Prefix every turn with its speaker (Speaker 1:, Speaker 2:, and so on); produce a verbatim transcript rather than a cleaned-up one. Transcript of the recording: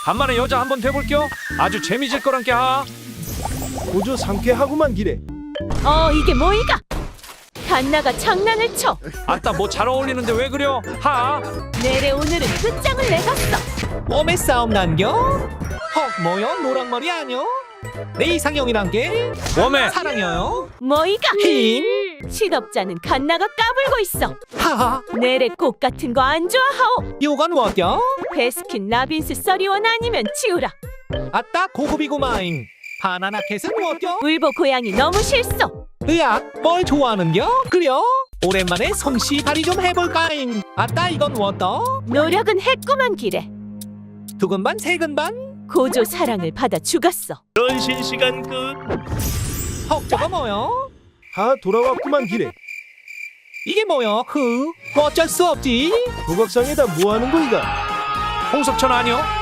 Speaker 1: 간만에 여자 한번 돼볼게요. 아주 재미질 거란께 하.
Speaker 2: 고조 상쾌하구만 기래.
Speaker 3: 어 이게 뭐이가? 갓나가 장난을 쳐.
Speaker 1: 아따 뭐 잘 어울리는데 왜 그려? 하.
Speaker 3: 내래 오늘은 끝장을 내갔어.
Speaker 4: 몸에 싸움 난겨? 헉 뭐여 노랑머리 아뇨? 내 이상형이란 게
Speaker 1: 웜에
Speaker 4: 사랑해요.
Speaker 3: 뭐이가?
Speaker 4: 흰
Speaker 3: 실업자는 갓나가 까불고 있어.
Speaker 4: 하하
Speaker 3: 내래 꽃 같은 거 안 좋아하오.
Speaker 4: 요건 뭐겨?
Speaker 3: 베스킨 라빈스 써리원 아니면 치우라.
Speaker 4: 아따 고급이구마잉. 바나나 캣은 뭐겨?
Speaker 3: 울보 고양이 너무 싫소.
Speaker 4: 으악 뭘 좋아하는겨? 그려? 오랜만에 솜씨 발휘 좀 해볼까잉. 아따 이건 뭐떠?
Speaker 3: 노력은 했구만 기래.
Speaker 4: 두근반 세근반?
Speaker 3: 고조 사랑을 받아 죽었어.
Speaker 5: 변신 시간 끝.
Speaker 4: 헉 저거 뭐여?
Speaker 2: 하 돌아왔구만 기래.
Speaker 4: 이게 뭐여? 흐 어쩔 수 없지.
Speaker 2: 도각상에다 뭐하는 거이가?
Speaker 1: 홍석천 아니요?